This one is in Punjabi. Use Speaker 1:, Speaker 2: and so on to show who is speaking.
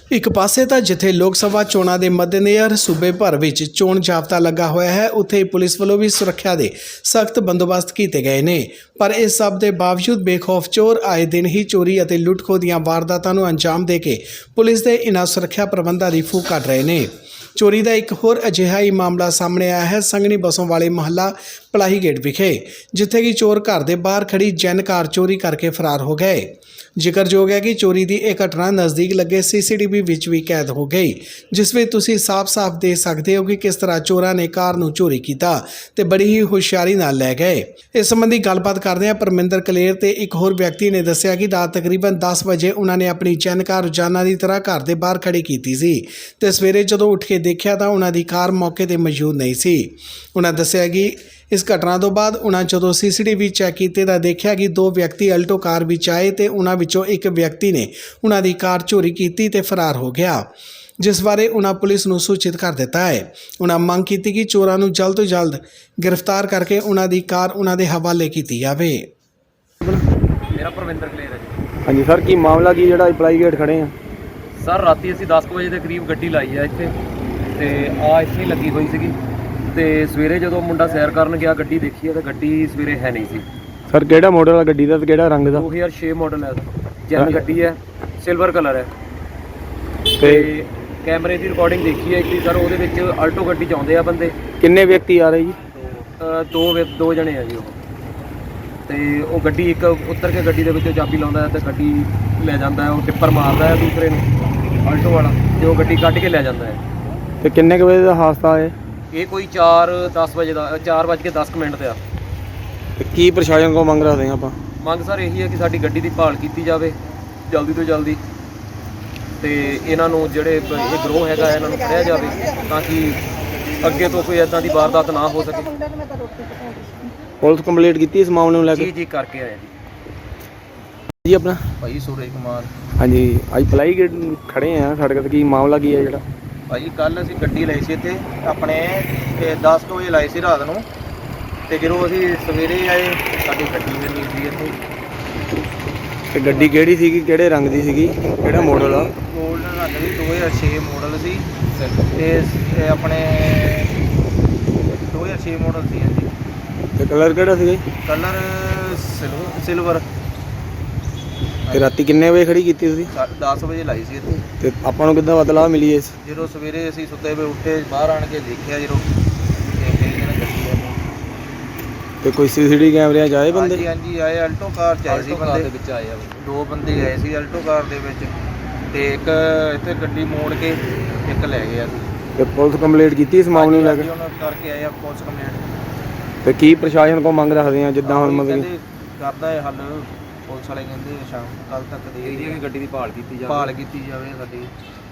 Speaker 1: ਇੱਕ ਪਾਸੇ ਤਾਂ ਜਿੱਥੇ ਲੋਕ ਸਭਾ ਚੋਣਾਂ ਦੇ ਮੱਦੇਨਜ਼ਰ ਸੂਬੇ ਭਰ ਵਿੱਚ ਚੋਣ ਜਾਬਤਾ ਲੱਗਾ ਹੋਇਆ ਹੈ, ਉੱਥੇ ਪੁਲਿਸ ਵੱਲੋਂ ਵੀ ਸੁਰੱਖਿਆ ਦੇ ਸਖਤ ਬੰਦੋਬਸਤ ਕੀਤੇ ਗਏ ਨੇ। ਪਰ ਇਸ ਸਭ ਦੇ ਬਾਵਜੂਦ ਬੇਖੌਫ ਚੋਰ ਆਏ ਦਿਨ ਹੀ ਚੋਰੀ ਅਤੇ ਲੁੱਟ-ਖੋਹ ਦੀਆਂ ਵਾਰਦਾਤਾਂ ਨੂੰ ਅੰਜਾਮ ਦੇ ਕੇ ਪੁਲਿਸ ਦੇ ਇਨ੍ਹਾਂ ਸੁਰੱਖਿਆ ਪ੍ਰਬੰਧਾਂ ਦੀ ਫੂਕ ਕੱਢ ਰਹੇ ਨੇ। ਚੋਰੀ ਦਾ ਇੱਕ ਹੋਰ ਅਜਿਹਾ ਹੀ ਮਾਮਲਾ ਸਾਹਮਣੇ ਆਇਆ ਹੈ ਸੰਘਣੀ ਬਸੋਂ ਵਾਲੇ ਮਹੱਲਾ ਪਲਾਹੀ ਗੇਟ ਵਿਖੇ, ਜਿੱਥੇ ਕਿ ਚੋਰ ਘਰ ਦੇ ਬਾਹਰ ਖੜੀ ਜੈਨ ਕਾਰ ਚੋਰੀ ਕਰਕੇ ਫਰਾਰ ਹੋ ਗਏ। ਜ਼ਿਕਰਯੋਗ ਹੈ ਕਿ ਚੋਰੀ ਦੀ ਇਹ ਘਟਨਾ ਨਜ਼ਦੀਕ ਲੱਗੇ CCTV ਵਿੱਚ ਵੀ ਕੈਦ ਹੋ ਗਈ, ਜਿਸ ਵਿੱਚ ਤੁਸੀਂ ਸਾਫ਼-ਸਾਫ਼ ਦੇਖ ਸਕਦੇ ਹੋ ਕਿ ਕਿਸ ਤਰ੍ਹਾਂ ਚੋਰਾਂ ਨੇ ਕਾਰ ਨੂੰ ਚੋਰੀ ਕੀਤਾ ਤੇ ਬੜੀ ਹੀ ਹੁਸ਼ਿਆਰੀ ਨਾਲ ਲੈ ਗਏ। ਇਸ ਸੰਬੰਧੀ ਗੱਲਬਾਤ ਕਰਦਿਆਂ ਪਰਮਿੰਦਰ ਕਲੇਰ ਤੇ ਇੱਕ ਹੋਰ ਵਿਅਕਤੀ ਨੇ ਦੱਸਿਆ ਕਿ ਰਾਤ ਤਕਰੀਬਨ 10 ਵਜੇ ਉਹਨਾਂ ਨੇ ਆਪਣੀ ਜੈਨ ਕਾਰ ਰੋਜ਼ਾਨਾ ਦੀ ਤਰ੍ਹਾਂ ਘਰ ਦੇ ਬਾਹਰ ਖੜੀ ਕੀਤੀ ਸੀ ਤੇ ਸਵੇਰੇ ਜਦੋਂ ਉੱਠ ਕੇ ਦੇਖਿਆ ਤਾਂ ਉਹਨਾਂ ਦੀ ਕਾਰ ਮੌਕੇ ਤੇ ਮੌਜੂਦ ਨਹੀਂ ਸੀ। ਉਹਨਾਂ ਦੱਸਿਆ ਕਿ ਇਸ ਘਟਨਾ ਤੋਂ ਬਾਅਦ ਉਹਨਾਂ ਜਦੋਂ CCTV ਚੈੱਕ ਕੀਤੇ ਤਾਂ ਦੇਖਿਆ ਕਿ ਦੋ ਵਿਅਕਤੀ ਅਲਟੋ ਕਾਰ ਵਿੱਚ ਆਏ ਤੇ ਉਹਨਾਂ ਵਿੱਚੋਂ ਇੱਕ ਵਿਅਕਤੀ ਨੇ ਉਹਨਾਂ ਦੀ ਕਾਰ ਚੋਰੀ ਕੀਤੀ ਤੇ ਫਰਾਰ ਹੋ ਗਿਆ, ਜਿਸ ਬਾਰੇ ਉਹਨਾਂ ਪੁਲਿਸ ਨੂੰ ਸੂਚਿਤ ਕਰ ਦਿੱਤਾ ਹੈ। ਉਹਨਾਂ ਮੰਗ ਕੀਤੀ ਕਿ ਚੋਰਾਂ ਨੂੰ ਜਲਦ ਤੋਂ ਜਲਦ ਗ੍ਰਿਫਤਾਰ ਕਰਕੇ ਉਹਨਾਂ ਦੀ ਕਾਰ ਉਹਨਾਂ ਦੇ ਹਵਾਲੇ ਕੀਤੀ ਜਾਵੇ।
Speaker 2: ਮੇਰਾ ਪਰਮਿੰਦਰ ਕਲੇਰ ਹੈ ਜੀ।
Speaker 3: ਹਾਂਜੀ ਸਰ, ਕੀ ਮਾਮਲਾ ਕੀ ਜਿਹੜਾ ਪਲਾਈ ਗੇਟ ਖੜੇ ਆ?
Speaker 2: ਸਰ ਰਾਤੀ ਅਸੀਂ 10 ਵਜੇ ਦੇ ਕਰੀਬ ਗੱਡੀ ਲਾਈ ਆ ਇੱਥੇ ਤੇ ਆ ਇੱਥੇ ਹੀ ਲੱਗੀ ਹੋਈ ਸੀਗੀ ਤੇ ਸਵੇਰੇ ਜਦੋਂ ਮੁੰਡਾ ਸੈਰ ਕਰਨ ਗਿਆ ਗੱਡੀ ਦੇਖੀ ਤਾਂ ਗੱਡੀ ਸਵੇਰੇ ਹੈ ਨਹੀਂ ਸੀ।
Speaker 3: ਸਰ ਕਿਹੜਾ ਮਾਡਲ ਆ ਗੱਡੀ ਦਾ ਤੇ ਕਿਹੜਾ ਰੰਗ ਦਾ?
Speaker 2: 2006 ਮਾਡਲ ਹੈ, ਜੈਨ ਗੱਡੀ ਹੈ, ਸਿਲਵਰ ਕਲਰ ਹੈ
Speaker 3: ਤੇ
Speaker 2: ਕੈਮਰੇ ਦੀ ਰਿਕਾਰਡਿੰਗ ਦੇਖੀ ਹੈ ਕਿ ਸਰ ਉਹਦੇ ਵਿੱਚ ਆਲਟੋ ਗੱਡੀ 'ਚ ਆਉਂਦੇ ਆ ਬੰਦੇ।
Speaker 3: ਕਿੰਨੇ ਵਿਅਕਤੀ ਆ ਰਹੇ ਜੀ?
Speaker 2: ਦੋ ਜਣੇ ਆ ਜੀ ਉਹ, ਤੇ ਉਹ ਗੱਡੀ ਇੱਕ ਉੱਤਰ ਕੇ ਗੱਡੀ ਦੇ ਵਿੱਚੋਂ ਚਾਬੀ ਲਾਉਂਦਾ ਹੈ ਤੇ ਗੱਡੀ ਲੈ ਜਾਂਦਾ ਹੈ। ਉਹ ਟਿੱਪਰ ਮਾਰਦਾ ਹੈ ਦੂਸਰੇ ਨੂੰ, ਆਲਟੋ ਵਾਲਾ, ਤੇ ਉਹ ਗੱਡੀ ਕੱਢ ਕੇ ਲੈ ਜਾਂਦਾ ਹੈ।
Speaker 3: ਤੇ ਕਿੰਨੇ ਕੁ ਵਜੇ ਦਾ ਹਾਦਸਾ ਹੈ
Speaker 2: ਇਹ ਕੋਈ 4:10 ਵਜੇ ਦਾ, 4:10 ਤੇ ਆ।
Speaker 3: ਤੇ ਕੀ ਪ੍ਰਸ਼ਾਸਨ ਕੋਲ ਮੰਗ ਰੱਖਦੇ ਆ ਆਪਾਂ?
Speaker 2: ਮੰਗ ਸਰ ਇਹੀ ਹੈ ਕਿ ਸਾਡੀ ਗੱਡੀ ਦੀ ਭਾਲ ਕੀਤੀ ਜਾਵੇ ਜਲਦੀ ਤੋਂ ਜਲਦੀ ਤੇ ਇਹਨਾਂ ਨੂੰ ਜਿਹੜੇ ਇਹ ਗਰੋਹ ਹੈਗਾ ਇਹਨਾਂ ਨੂੰ ਫੜਿਆ ਜਾਵੇ ਤਾਂ ਕਿ ਅੱਗੇ ਤੋਂ ਕੋਈ ਇਦਾਂ ਦੀ ਵਾਰਦਾਤ ਨਾ ਹੋ ਸਕੇ।
Speaker 3: ਪੁਲਿਸ ਕੰਪਲੀਟ ਕੀਤੀ ਇਸ ਮਾਮਲੇ ਨੂੰ ਲੈ ਕੇ?
Speaker 2: ਜੀ ਕਰਕੇ ਆਇਆ
Speaker 3: ਜੀ ਆਪਣਾ
Speaker 2: ਭਾਈ ਸੂਰਜ ਕੁਮਾਰ।
Speaker 3: ਹਾਂਜੀ, ਅੱਜ ਪਲਾਈ ਗੇਟ ਖੜੇ ਆ ਸੜਕ ਤੇ, ਕੀ ਮਾਮਲਾ ਕੀ ਹੈ ਜਿਹੜਾ?
Speaker 4: ਭਾਈ ਕੱਲ ਅਸੀਂ ਗੱਡੀ ਲਈ ਸੀ ਇੱਥੇ ਆਪਣੇ 10 ਵਜੇ ਲਾਈ ਸੀ ਰਾਤ ਨੂੰ, ਤੇ ਜਦੋਂ ਅਸੀਂ ਸਵੇਰੇ ਆਏ ਸਾਡੀ ਗੱਡੀ ਨਹੀਂ ਸੀ ਇੱਥੇ।
Speaker 3: ਤੇ ਗੱਡੀ ਕਿਹੜੀ ਸੀਗੀ, ਕਿਹੜੇ ਰੰਗ ਦੀ ਸੀਗੀ, ਕਿਹੜਾ ਮਾਡਲ ਆ?
Speaker 4: ਗੋਲਡਨ ਰੰਗ ਦੀ 2006 ਮਾਡਲ ਸੀ ਤੇ ਆਪਣੇ 2006 ਮਾਡਲ ਸੀ ਹਾਂਜੀ।
Speaker 3: ਤੇ ਕਲਰ ਕਿਹੜਾ ਸੀਗਾ ਜੀ?
Speaker 4: Colour silver.
Speaker 3: ਤੇ ਰਾਤੀ ਕਿੰਨੇ ਵਜੇ ਖੜੀ ਕੀਤੀ ਤੁਸੀਂ?
Speaker 4: 10 ਵਜੇ ਲਾਈ ਸੀ ਇੱਥੇ।
Speaker 3: ਤੇ ਆਪਾਂ ਨੂੰ ਕਿੱਦਾਂ ਪਤਾ ਮਿਲੀ ਇਸ?
Speaker 4: ਜਦੋਂ ਸਵੇਰੇ ਅਸੀਂ ਸੁੱਤੇ ਪਏ ਉੱਠੇ, ਬਾਹਰ ਆਣ ਕੇ ਦੇਖਿਆ ਜਦੋਂ ਤੇ ਫਿਰ ਇਹਨਾਂ ਗੱਡੀ ਆਈ।
Speaker 3: ਤੇ ਕੋਈ CCTV ਕੈਮਰਿਆਂ 'ਚ ਆਏ ਬੰਦੇ?
Speaker 4: ਹਾਂਜੀ ਹਾਂਜੀ ਆਏ, ਆਲਟੋ ਕਾਰ 'ਚ ਆਏ ਸੀ ਬੰਦੇ।
Speaker 2: ਦੇ ਵਿੱਚ ਆਏ ਆ
Speaker 4: ਦੋ ਬੰਦੇ ਆਏ ਸੀ ਆਲਟੋ ਕਾਰ ਦੇ ਵਿੱਚ, ਤੇ ਇੱਕ ਇੱਥੇ ਗੱਡੀ ਮੋੜ ਕੇ ਇੱਕ ਲੈ ਗਿਆ ਸੀ।
Speaker 3: ਤੇ ਪੁਲਿਸ ਕੰਪਲੀਟ ਕੀਤੀ ਇਸ ਮਾਮਲੇ ਨੂੰ ਲੈ ਕੇ?
Speaker 4: ਉਹਨਾਂ ਕਰਕੇ ਆਏ ਆ ਪੁਲਿਸ ਕੰਪਲੇਂਟ।
Speaker 3: ਤੇ ਕੀ ਪ੍ਰਸ਼ਾਸਨ ਕੋਲ ਮੰਗ ਰੱਖਦੇ ਆ ਜਿੱਦਾਂ ਹੁਣ ਮਤਲਬ
Speaker 4: ਕਹਿੰਦੇ ਕਰਦਾ ਹੈ ਹੱਲ, ਪੁਲਿਸ ਵਾਲੇ ਕਹਿੰਦੇ ਸ਼ਾਮ ਕੱਲ ਤੱਕ ਦੇ
Speaker 2: ਗੱਡੀ ਦੀ ਭਾਲ ਕੀਤੀ ਜਾਵੇ।
Speaker 4: ਭਾਲ ਕੀਤੀ ਜਾਵੇ ਸਾਡੀ।